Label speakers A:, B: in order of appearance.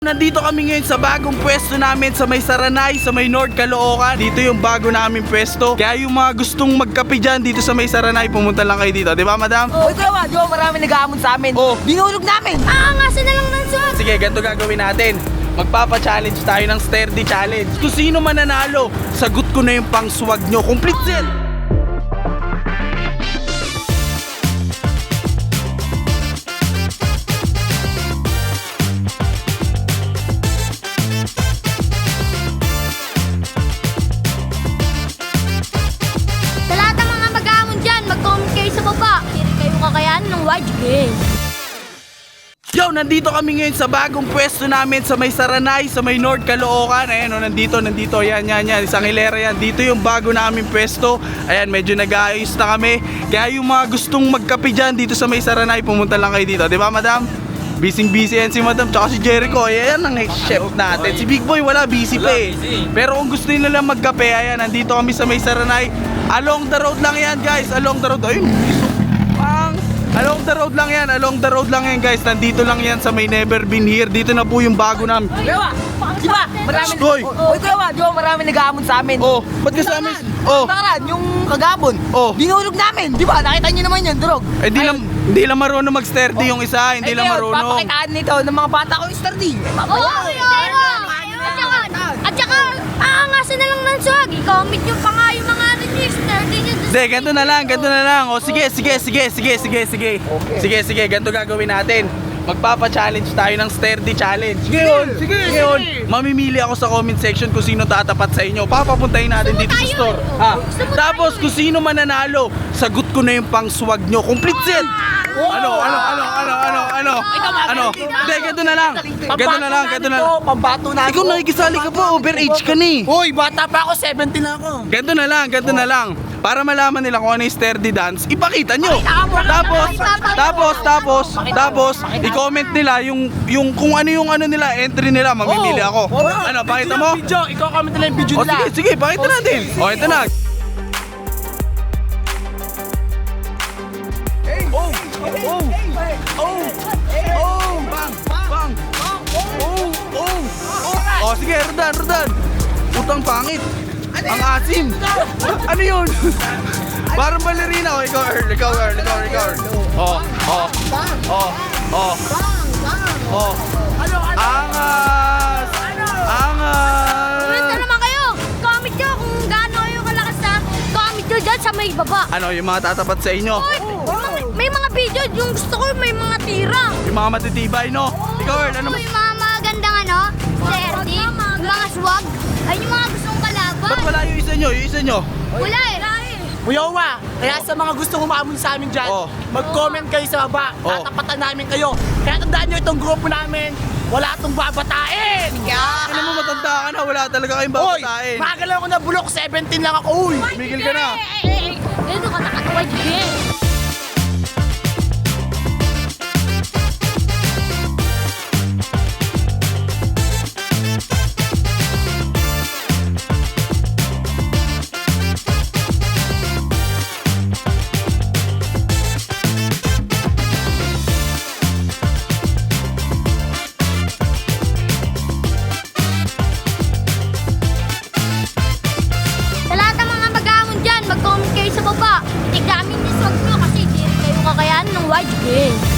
A: Nandito kami ngayon sa bagong pwesto namin sa may Saranay, sa may North Caloocan. Dito yung bago namin pwesto. Kaya yung mga gustong magkape dyan dito sa may Saranay, pumunta lang kayo dito. Di ba, madam?
B: Uy, kuya, di ba marami nag-aamon sa amin?
A: Oh.
B: Dinulog namin.
C: Aangasan na lang ng swag.
A: Sige, ganito gagawin natin. Magpapa-challenge tayo ng sturdy challenge. Kung sino mananalo, sagot ko na yung pang-swag nyo. Complete set!
C: Sa lahat ng mga mag-aamon dyan, mag-comment kayo sa baba. Hindi kayo kakayanan ng wide game.
A: Yo, nandito kami ngayon sa bagong pwesto namin sa may Saranay, sa may North Caloocan. Ayan, nandito. Yan. Isang hilera yan. Dito yung bago namin pwesto. Ayan, medyo nag-aayos na kami. Kaya yung mga gustong magkape dyan dito sa may Saranay, pumunta lang kayo dito. Di ba, madam? Busy yan si madam, tsaka si Jericho. Ayan ang chef natin. Si Big Boy, wala, busy pa eh. Pero kung gusto nyo lang magkape, ayan, nandito kami sa may Saranay. Along the road lang yan, guys. Along the road. Ayun, along the road lang yan, guys. Nandito lang yan sa may Never Been Here. Dito na po yung bago namin.
B: Kuya, di ba marami...
A: Hoy!
B: Uy, kuya, di ba marami nag-aamon sa amin?
A: Oh, ba't ka sa amin? Oh,
B: Nakaraan, yung kagabon.
A: Oh.
B: Dinulog namin. Di ba? Nakita nyo naman yun, durog.
A: eh, hindi lang marunong mag-sturdy yung isa. Hindi lang marunong.
B: Papakitaan nito ng mga bata ko yung sturdy.
C: At saka, aangasan na lang ng swag. I-comment nyo pa nga yung mga register.
A: Hindi, ganito na lang. O, sige. Sige, ganito gagawin natin. Magpapa-challenge tayo ng sturdy challenge. Ngayon, mamimili ako sa comment section kung sino tatapat sa inyo. Papapuntahin natin dito sa store. Ha? Tapos kung sino mananalo, sagot ko na yung pang-swag nyo. Complete set! Ano? Hindi, ganito na lang.
B: Pambato na
A: Ikaw nakikisali ka pa, overage ka ni.
B: Uy, bata pa ako, 17 na ako.
A: Ganito na lang. Para malaman nila kung ano yung sturdy dance, ipakita nyo. Tapos, i-comment nila yung kung ano yung ano nila, entry nila, mamimili ako. Ano, pakita mo?
B: Ikaw comment nila yung video
A: O
B: nila.
A: sige, pakita natin. O, ito na. Bang. O, sige, Rodan. Utang pangit. Ang asim. Ano yun? Parang balerina. O, ikaw, Earl. Angas.
C: Comment na naman kayo. Comment nyo kung gaano kayo kalakas na comment nyo dyan sa may baba.
A: Ano, yung mga tatapat sa inyo?
C: May mga video, yung gusto ko may mga tira.
A: Yung mga matitibay, no? Ikaw, Earl, ano?
C: Yung mga magandang sexy, yung mga swag. Ay, yung mga gustong kalaban.
A: Ba't wala yung isa nyo?
C: Wala eh.
B: Muyawa, kaya sa mga gustong umamon sa amin dyan,
A: Oh.
B: mag-comment kayo sa baba, tatapatan namin kayo. Kaya tandaan nyo itong grupo namin, wala itong babatain.
A: Ano mo, matanda ka na, wala talaga kayong
B: Uy,
A: babatain.
B: magalang ako na bulok, 17 lang ako, uy.
A: Tumigil ka na.
C: Ganito ka nakatuwa dyan. Sa lahat ng mga mag-aamon dyan, mag-comment kayo sa baba. Tignamin yung swag nyo kasi hindi kayo kakayanan ng wide game.